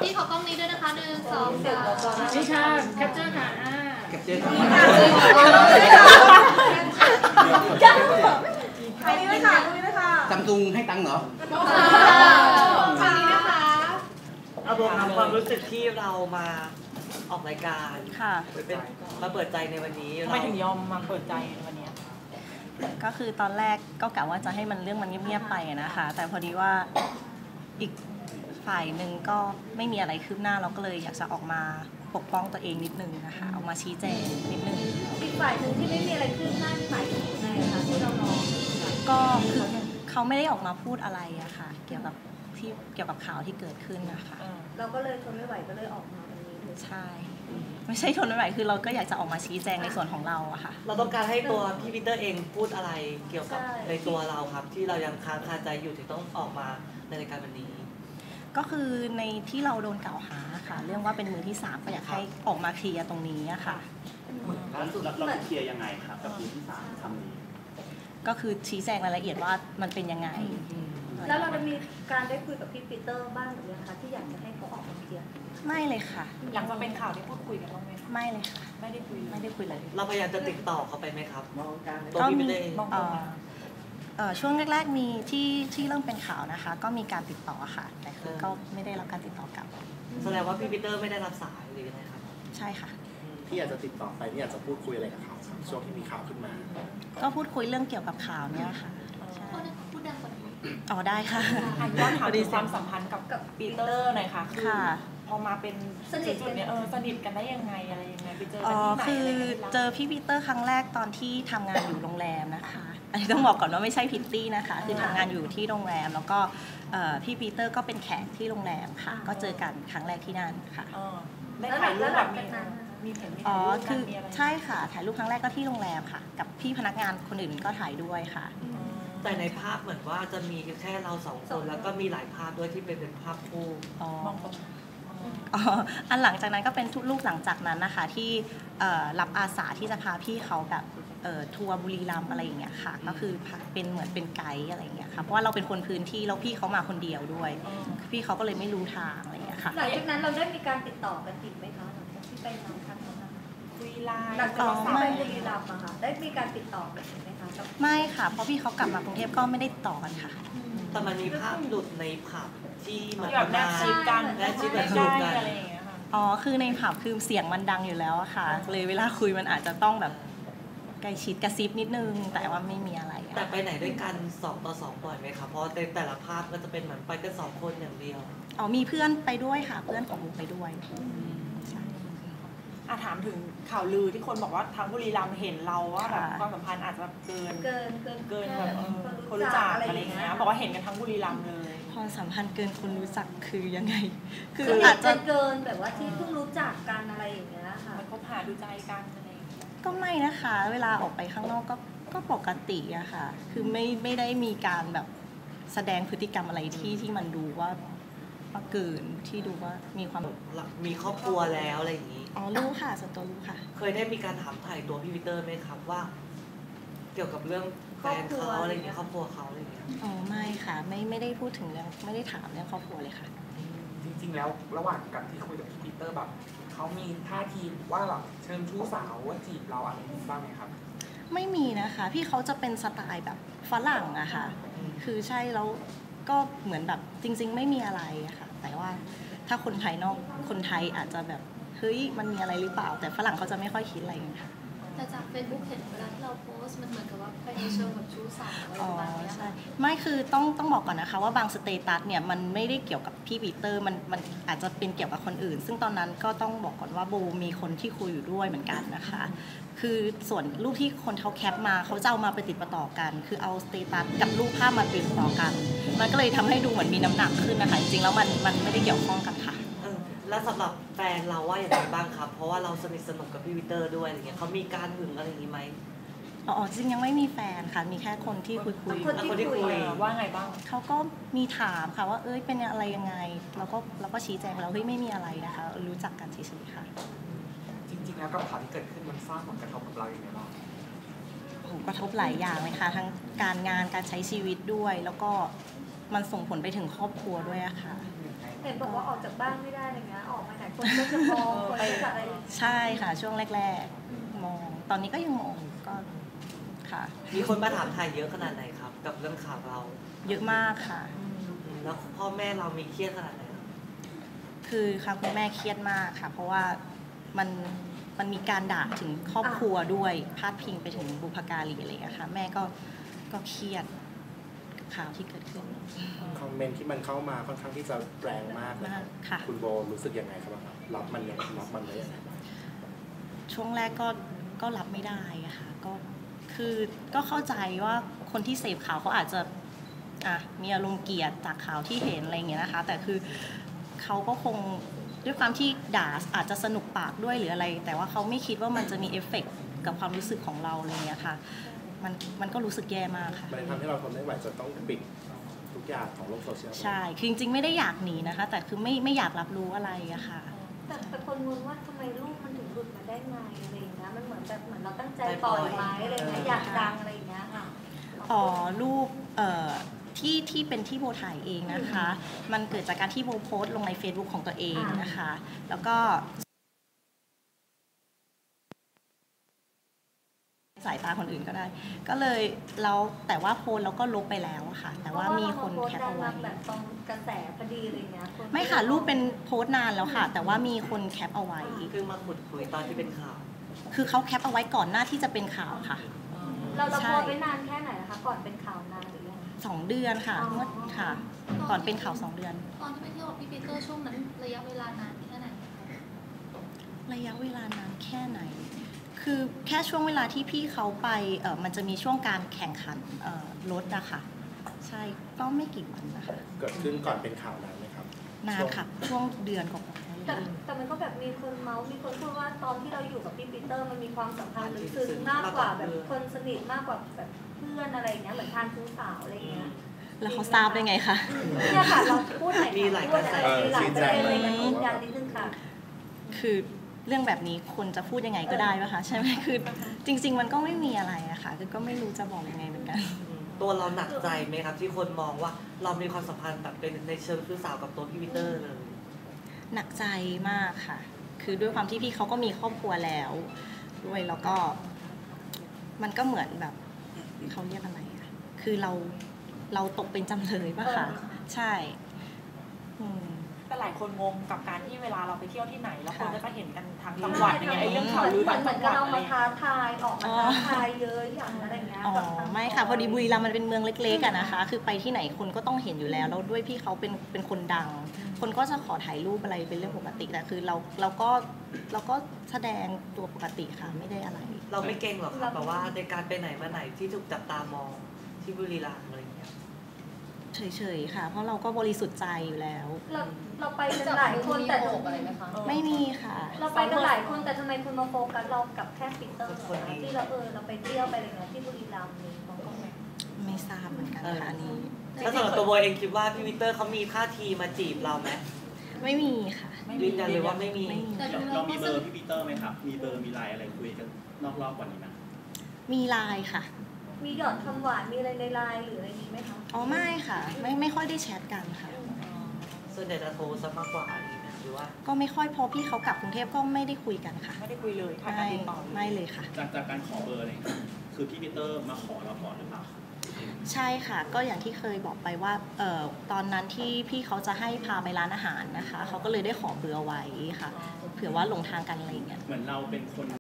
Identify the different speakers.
Speaker 1: พี่ขอกล้องนี้ด้วยนะคะ1 2 3
Speaker 2: นี่ค่ะแคปเจอร์ค่ะ
Speaker 3: แคปเจอร์
Speaker 4: อันนี้เลยค่ะ
Speaker 3: ซัมซุงให้ตังค์เหรอ
Speaker 1: ทางนี้นะคะ
Speaker 5: เอาตัวความรู้สึกที่เรามาออกรายการ
Speaker 6: ค่ะ
Speaker 5: เป็นมาเปิดใจในวันนี้
Speaker 2: ทำไมถึงยอมมาเปิดใจในวันนี้
Speaker 6: ก็คือตอนแรกก็กะว่าจะให้มันเรื่องมันเงียบๆไปนะคะแต่พอดีว่าอีกฝ่ายหนึ่งก็ไม่มีอะไรคืบหน้าเราก็เลยอยากจะออกมาปกป้องตัวเองนิดนึงนะคะออกมาชี้แจงนิดนึง
Speaker 4: อีกฝ่ายหนึ่งที่ไม่มีอะไรคืบหน้าฝ่ายไหนคะที่เรารอ
Speaker 6: ก็คือเขาไม่ได้ออกมาพูดอะไรอะค่ะเกี่ยวกับข่าวที่เกิดขึ้นนะคะ
Speaker 4: เราก็เลยทนไม่ไหวก็เลยออกมาวันนี้
Speaker 6: ใช่ไม่ใช่ทนไม่ไหวคือเราก็อยากจะออกมาชี้แจงในส่วนของเราอะค่ะ
Speaker 5: เราต้องการให้ตัวพี่ปีเตอร์เองพูดอะไรเกี่ยวกับในตัวเราครับที่เรายังค้างคาใจอยู่ถึงต้องออกมาในรายการวันนี้
Speaker 6: ก็คือในที่เราโดนกล่าวหาค่ะเรื่องว่าเป็นมือที่3ก็อยากให้ออกมาเคลียร์ตรงนี้อะค่ะ
Speaker 7: แล้วสุดเราเคลียร์ยังไงครับกับมือที่3คำนี้
Speaker 6: ก็คือชี้แจงรายละเอียดว่ามันเป็นยังไง
Speaker 4: แล้วเราจะมีการได้คุยกับพี่ปีเตอร์บ้างหรือยังคะที่อยากจะให้เขาออกมาเคลียร์
Speaker 6: ไม่เลยค่ะ
Speaker 2: หลังจากเป็นข่าวที่พูดคุยกันบ้างไหม
Speaker 6: ไม่เลยค่ะ
Speaker 2: ไม่ได้คุย
Speaker 6: เลย
Speaker 5: เราพยายามจะติดต่อเขาไปไหมครับ
Speaker 6: ตัวพี่ปีเตอร์ช่วงแรกๆมีที่เริ่มเป็นข่าวนะคะก็มีการติดต่อค่ะแต่คือก็ไม่ได้รับการติดต่อกลับ
Speaker 5: แสดงว่าพี่ปีเตอร์ไม่ได้รับสายหรือยังไงครับ
Speaker 6: ใช่ค่ะ
Speaker 7: ที่อยากจะติดต่อไปที่อยากจะพูดคุยอะไรกับเขาช่วงที่มีข่าวขึ้นมา
Speaker 6: ก็พูดคุยเรื่องเกี่ยวกับข่าวเนี้ยค่ะ
Speaker 1: พูดดังกว่านี้
Speaker 6: อ๋อได้ค่ะ
Speaker 2: ย้อนถามถึงความสัมพันธ์กับปีเตอร์หน่อยค่ะคือพอมาเป็น
Speaker 4: สนิทกัน
Speaker 2: เนี่ยสนิทกันได้ยังไงอะไรยังไงไปเจอ
Speaker 6: กันที่ไหนคือเจอพี่ปีเตอร์ครั้งแรกตอนที่ทำงานอยู่โรงแรมนะคะอันนี้ต้องบอกก่อนว่าไม่ใช่พิตตี้นะคะคือทำงานอยู่ที่โรงแรมแล้วก็พี่ปีเตอร์ก็เป็นแขกที่โรงแรมค่ะก็เจอกันครั้งแรกที่นั่นค่ะ
Speaker 2: ได้ถ่ายรูปแบบมี
Speaker 6: อ๋อคือใช่ค่ะถ่ายรูปครั้งแรกก็ที่โรงแรมค่ะกับพี่พนักงานคนอื่นก็ถ่ายด้วยค่ะ
Speaker 5: แต่ในภาพเหมือนว่าจะมีแค่เรา2คนแล้วก็มีหลายภาพด้วยที่เป็นภาพคู่
Speaker 6: อันหลังจากนั้นก็เป็นรูปหลังจากนั้นนะคะที่รับอาสาที่จะพาพี่เขาแบบทัวร์บุรีรัมย์อะไรอย่างเงี้ยค่ะก็คือเป็นเหมือนเป็นไกด์อะไรอย่างเงี้ยค่ะเพราะว่าเราเป็นคนพื้นที่แล้วพี่เขามาคนเดียวด้วยพี่เขาก็เลยไม่รู้ทางอะไรอย่างเงี้ยค่ะ
Speaker 4: หลังจากนั้นเราได้มีการติดต่อกันอีกไหมคะหลังจากที่ไปนำคัน
Speaker 2: คุยไลน์
Speaker 4: หลังจากที่ไปบุรีรัมย์อะค่ะได้มีการติดต่อกันไหมคะ
Speaker 6: ไม่ค่ะเพราะพี่เขากลับมากรุงเทพก็ไม่ได้ติดต่อกันค่ะ
Speaker 5: แต่มันมีภาพหลุดในผับที่เหมือน
Speaker 2: แบบแนบชิดกัน
Speaker 5: แนบชิดแบบหลุดกัน
Speaker 2: อะไรอย่างเงี้ยค่ะ
Speaker 6: อ๋อคือในผับคือเสียงมันดังอยู่แล้วอะค่ะเลยเวลาคุยมันอาจจะต้องแบบใกล้ชิดกระซิบนิดนึงแต่ว่าไม่มีอะไร
Speaker 5: แต่ไปไหนด้วยกัน2 ต่อ 2บ่อยไหมคะเพราะแต่ละภาพก็จะเป็นเหมือนไปกัน2 คนอย่างเดียว
Speaker 6: อ๋อมีเพื่อนไปด้วยค่ะเพื่อนของมุกไปด้วยใช่
Speaker 2: ถามถึงข่าวลือที่คนบอกว่าทางบุรีรัมย์เห็นเราว่าแบบความสัมพันธ์อาจจะเกินแบบคนรู้จักอะไรอย่างเงี้ยบอกว่าเห็นกันทั้งบุรีรัมย์เลย
Speaker 6: ความสัมพันธ์เกินคนรู้จักคือยังไง
Speaker 4: คืออาจจะเกินแบบว่าที่เพิ่งรู้จักกันอะไรอย่างเงี้ยค่ะ
Speaker 2: มันคบหาดูใจกัน
Speaker 6: ก็ไม่นะคะเวลาออกไปข้างนอกก็ปกติอะค่ะคือไม่ได้มีการแบบแสดงพฤติกรรมอะไรที่มันดูว่าเกินที่ดูว่ามีความ
Speaker 5: มีครอบครัวแล้วอะไรอย่างนี้
Speaker 6: อ๋อรู้ค่ะส่วนตัวรู้ค่ะ
Speaker 5: เคยได้มีการถามถ่ายตัวพี่ปีเตอร์ไหมครับว่าเกี่ยวกับเรื่องแฟนเขาอะไรอย่างเงี้ยครอบครัวเขาอะไรอย่างเงี้ย
Speaker 6: อ๋อไม่ค่ะไม่ได้พูดถึงเรื่องไม่ได้ถามเรื่องครอบครัวเลยค่ะ
Speaker 8: จริงๆแล้วระหว่างการที่คุยกับพี่ปีเตอร์แบบเขามีท่าทีว่าแบบเชิญชู้สาวว่าจีบเราอะไรบ้างไหมครับ
Speaker 6: ไม่มีนะคะพี่เขาจะเป็นสไตล์แบบฝรั่งอะค่ะคือใช่แล้วก็เหมือนแบบจริงๆไม่มีอะไรอะค่ะแต่ว่าถ้าคนภายนอกคนไทยอาจจะแบบเฮ้ยมันมีอะไรหรือเปล่าแต่ฝรั่งเขาจะไม่ค่อยคิดอะไรกันค่ะ
Speaker 1: แต่จาก Facebook เห็นเวลาที่เราโพสต์มันเหมือนกับว่าไปในเชิงแบบชู้สาวอะไรประมาณนี้ค่ะ
Speaker 6: ไม่คือต้องบอกก่อนนะคะว่าบางสเตตัสเนี่ยมันไม่ได้เกี่ยวกับพี่ปีเตอร์มันอาจจะเป็นเกี่ยวกับคนอื่นซึ่งตอนนั้นก็ต้องบอกก่อนว่าโบมีคนที่คุยอยู่ด้วยเหมือนกันนะคะคือส่วนรูปที่คนเขาแคปมาเขาจะเอามาไปติดต่อกันคือเอาสเตตัสกับรูปภาพมาติดต่อกันมันก็เลยทำให้ดูเหมือนมีน้ำหนักขึ้นนะคะจริงๆแล้วมันไม่ได้เกี่ยวข้องกันค่ะ
Speaker 5: แล้วสำหรับแฟนเราว่าอย่างไรบ้างครับเพราะว่าเราสนิทสนมกับพี่ปีเตอร์ด้วยอะไรเงี้ยเขามีการหึงอะไรอย่างนี้ไหม
Speaker 6: อ๋อจริงยังไม่มีแฟนค่ะมีแค่คนที่คุย
Speaker 5: คนที่คุย
Speaker 2: ว่าไงบ้าง
Speaker 6: เขาก็มีถามค่ะว่าเป็นอะไรยังไงเราก็ชี้แจงแล้วไม่มีอะไรนะคะรู้จักกันเฉยๆค่ะ
Speaker 8: จริงๆแล้วกับข่าวที่เกิดขึ้นมันสร้างผลกระทบกับเราอย่างไรบ้าง
Speaker 6: กระทบหลายอย่างเลยค่ะทั้งการงานการใช้ชีวิตด้วยแล้วก็มันส่งผลไปถึงครอบครัวด้วยอะค่ะ
Speaker 4: เห็นบอกว่าออกจากบ้านไม่ได้อะไรเงี้ยออกมาไหนคนก็จะมองคนก็จะอะไร
Speaker 6: ใช่ค่ะช่วงแรกๆมองตอนนี้ก็ยังมองอยู่ก็ค่ะ
Speaker 5: มีคนมาถามไทยเยอะขนาดไหนครับ กับเรื่องข่าวเรา
Speaker 6: เยอะมากค่ะ
Speaker 5: แล้วพ่อแม่เรามีเครียดขนาดไหนครับ
Speaker 6: คือค่ะคุณแม่เครียดมากค่ะ เพราะว่ามันมีการด่าถึงครอบครัวด้วยพาดพิงไปถึงบุพการีอะไรอย่างเงี้ยค่ะแม่ก็เครียดกับข่าวที่เกิดขึ้น
Speaker 7: คอมเมนต์ที่มันเข้ามาค่อนข้างที่จะแรงมากเลยครับ
Speaker 6: ค่ะ
Speaker 7: คุณโบรู้สึกยังไงครับรับมันยังรับมันได้ยังไงบ้าง
Speaker 6: ช่วงแรกก็รับไม่ได้อะค่ะก็เข้าใจว่าคนที่เสพข่าวเขาอาจจะมีอารมณ์เกลียดจากข่าวที่เห็นอะไรอย่างเงี้ยนะคะ แต่คือเขาก็คงด้วยความที่ด่าอาจจะสนุกปากด้วยหรืออะไร แต่ว่าเขาไม่คิดว่ามันจะมีเอฟเฟกต์กับความรู้สึกของเราอะไรอย่างเงี้ยค่ะมันก็รู้สึกแย่มากค่ะ
Speaker 7: มันทำให้เราทนไม่ไหวจะต้องปิดทุกอย่างของโลกโซเชียล
Speaker 6: ใช่คือจริงๆไม่ได้อยากหนีนะคะ แต่คือไม่อยากรับรู้อะไรอะค่ะ
Speaker 4: แต่เป็นคนงงว่าทำไมลูกมันถึงหลุดมาได้ไงอะไรอย่างเงี้ยมันเหมือนเราตั้งใจปล่อยไหมอะไรอย่างเงี้ยอยากดังอะไรอย่างเงี้ยค่ะ
Speaker 6: รูปที่เป็นที่โบถ่ายเองนะคะ มันเกิดจากการที่โบโพสต์ลงใน Facebook ของตัวเองนะคะ แล้วก็สายตาคนอื่นก็ได้ ก็เลยแล้วแต่ว่าโพสต์แล้วก็ลบไปแล้วอะค่ะ แต่ว่ามีคนแคปเอาไว้
Speaker 4: แบบตรงกระแสพอดีอะไรเงี้ย
Speaker 6: ไม่ค่ะรูปเป็นโพสต์นานแล้วค่ะ แต่ว่ามีคนแคปเอาไว้
Speaker 5: คือมาขุดคุยตอนที่เป็นข่าว
Speaker 6: คือเขาแคปเอาไว้ก่อนหน้าที่จะเป็นข่าวค่ะ
Speaker 4: เราโพสต์ไว้นานแค่ไหนนะคะก่อนเป็นข่าวนานหรือยัง
Speaker 6: 2 เดือนค่ะค่ะ ก่อนเป็นข่าว2 เดือน
Speaker 1: ตอนที่ไปเที่ยวกับพี่ปีเตอร์ช่วงนั้นระยะเวลานานแค่ไหนคะ
Speaker 6: ระยะเวลานานแค่ไหน คือแค่ช่วงเวลาที่พี่เขาไปมันจะมีช่วงการแข่งขันรถอะค่ะ ใช่ก็ไม่กี่วันนะคะ
Speaker 7: เกิดขึ้นก่อนเป็นข่าวนานไหมครับ
Speaker 6: นานค่ะ ช่วงเดือนกว่า
Speaker 4: แต่มันก็แบบมีคนเมาส์มีคนพูดว่าตอนที่เราอยู่กับพี่ปีเตอร์มันมีความสัมพันธ์ลึกซึ้งมากกว่าแบบคนสนิทมากกว่าแบบเพื่อนอะไรอย่างเงี้ยเหมือนทานชู้สาวอะไรอย่างเงี้ย
Speaker 6: แล้วเขาทราบได้ไงคะ
Speaker 4: เนี่ยค่ะเราพูดหน่อย
Speaker 5: มีหลายกระแส
Speaker 4: มีหลายประเด็นอะไรอย่างเงี้ยยืนยันนิดนึงค่ะ
Speaker 6: คือเรื่องแบบนี้คนจะพูดยังไงก็ได้ป่ะคะใช่ไหมคือจริง ๆ มันก็ไม่มีอะไรอะค่ะคือก็ไม่รู้จะบอกยังไงเหมือนกัน
Speaker 5: ตัวเราหนักใจไหมครับ ที่คนมองว่าเรามีความสัมพันธ์แบบเป็นในเชิงชู้สาวกับตัวพี่ปีเตอร์เลย
Speaker 6: หนักใจมากค่ะ คือด้วยความที่พี่เขาก็มีครอบครัวแล้วด้วยแล้วก็มันก็เหมือนแบบเขาเรียกอะไรอะคือเราตกเป็นจำเลยป่ะคะใช่
Speaker 2: แต่หลายคนงงกับการที่เวลาเราไปเที่ยวที่ไหนแล้วคนก็จะเห็นกันทางจังหวัดอย่างเงี้ยไอ้เรื่องข่าวลือทาง
Speaker 4: เหมื
Speaker 2: จั
Speaker 4: อน
Speaker 2: งห
Speaker 4: กับ
Speaker 2: วัด
Speaker 4: เรา
Speaker 2: อะไร
Speaker 4: มาท้าทายออกมาท้าทายเยอะอย่างอะไรเงี้ย
Speaker 6: อ๋อไม่ค่ะพอดีบุรีรัมย์มันเป็นเมืองเล็กๆอะนะคะ คือไปที่ไหนคนก็ต้องเห็นอยู่แล้วแล้วด้วยพี่เขาเป็นคนดัง คนก็จะขอถ่ายรูปอะไรเป็นเรื่องปกติแต่คือเราก็แสดงตัวปกติค่ะไม่ได้อะไร
Speaker 5: เราไม่เก่งหรอกครับแบบว่าในการไปไหนมาไหนที่ถูกจับตามองที่บุรีรัมย์อะไรอย่างเงี้ย
Speaker 6: เฉยๆค่ะ เพราะเราก็บริสุทธิ์ใจอยู่แล้ว
Speaker 4: เราไปกันหลายคนแต่
Speaker 1: อะไรไหมคะ
Speaker 6: ไม่มีค่ะ
Speaker 4: เราไปกันหลายคนแต่ทำไมคุณมาโฟกัสเรากับแค่ปีเตอร์ที่เราไปเที่ยวไปอะไรเงี้ยที่บุรีรัมย์นี่เขาก็ไม่
Speaker 6: ไม่ทราบเหมือนกันค่ะอันนี้
Speaker 5: แล้วสำหรับตัวโบเองคิดว่าพี่ปีเตอร์เขามีท่าทีมาจีบเราไหม
Speaker 6: ไม่มีค่ะ
Speaker 5: ยืนยันเลยว่าไม่มี
Speaker 6: ไม่มี
Speaker 1: แต่ดู
Speaker 9: เรา
Speaker 1: เรา
Speaker 9: มี
Speaker 1: ก็
Speaker 9: เบ
Speaker 1: ส
Speaker 9: อ
Speaker 1: นิ
Speaker 9: ร์
Speaker 1: ท
Speaker 9: พี่ปีเตอร์ไหมครับ มีเบอร์มีไลน์อะไรคุยกันนอกรอบกว่านี้ไหม
Speaker 6: มีไลน์ค่ะ
Speaker 4: มีหยอดคำหวานมีอะไรในไลน์หรืออะไรนี้ไหมคะ
Speaker 6: อ๋อไม่ค่ะ ไม่ค่อยได้แชทกันค่ะ
Speaker 5: ส่วนใหญ่จะโทรซะมากกว่าอะไรเงี้ยหรือว่า
Speaker 6: ก็ไม่ค่อยพอพี่เขากลับกรุงเทพก็ไม่ได้คุยกันค่ะ
Speaker 2: ไม่ได้คุยเลยขาดการติดต่อเลย
Speaker 6: ไม่เลยค่ะ
Speaker 9: จากการขอเบอร์อะไรอย่างเงี้ยคือพี่ปีเตอร์มาขอเราก่อนหรือเปล่า
Speaker 6: ใช่ค่ะ ก็อย่างที่เคยบอกไปว่าตอนนั้นที่พี่เขาจะให้พาไปร้านอาหารนะคะเขาก็เลยได้ขอเบอร์เอาไว้ค่ะ เผื่อว่าหลงทางกันอะไรอย่างเงี้ย
Speaker 9: เหมือนเราเป็นคน